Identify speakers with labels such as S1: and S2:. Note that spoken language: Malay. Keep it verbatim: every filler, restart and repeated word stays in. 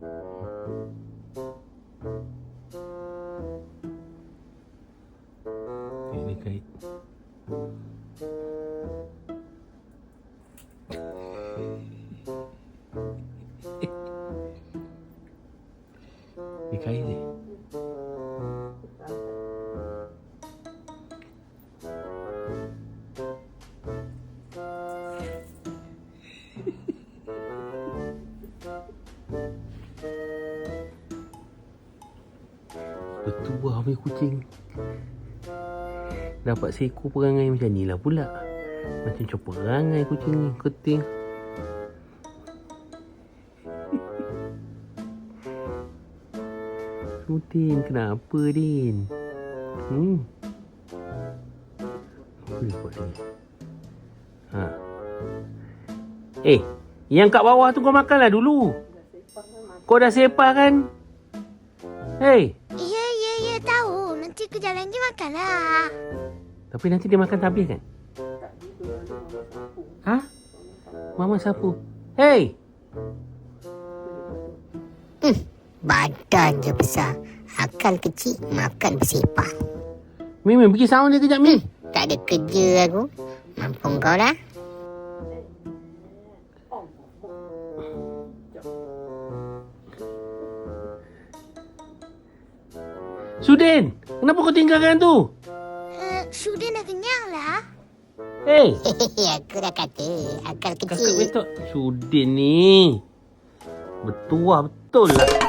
S1: Ini kait. Ini kait ni. Bertuah habis kucing. Dapat seekor perangai macam ni lah pula. Macam copot perangai kucing ni. Keting. Din, kenapa Din? Hmm. Apa dia buat sini? Ha. Eh, yang kat bawah tu kau makanlah dulu. Kau dah sepah kan? Hei.
S2: Ya, ya, ya, tahu. Nanti ke jalan je makanlah.
S1: Tapi nanti dia makan tak habis kan? Ha? Mama sapu. Hei.
S2: Hmm, badan je besar. Akal kecil, makan bersepah.
S1: Mimi, pergi sound dia kejap, Mi.
S2: Hmm, tak ada kerja aku. Mampu kau lah.
S1: Sudin, kenapa kau tinggalkan tu?
S2: Uh, Sudin dah kenyang lah.
S1: Hei.
S2: Aku dah kata, akal
S1: Kakak
S2: kecil.
S1: betul. Sudin ni. Bertuah betul lah.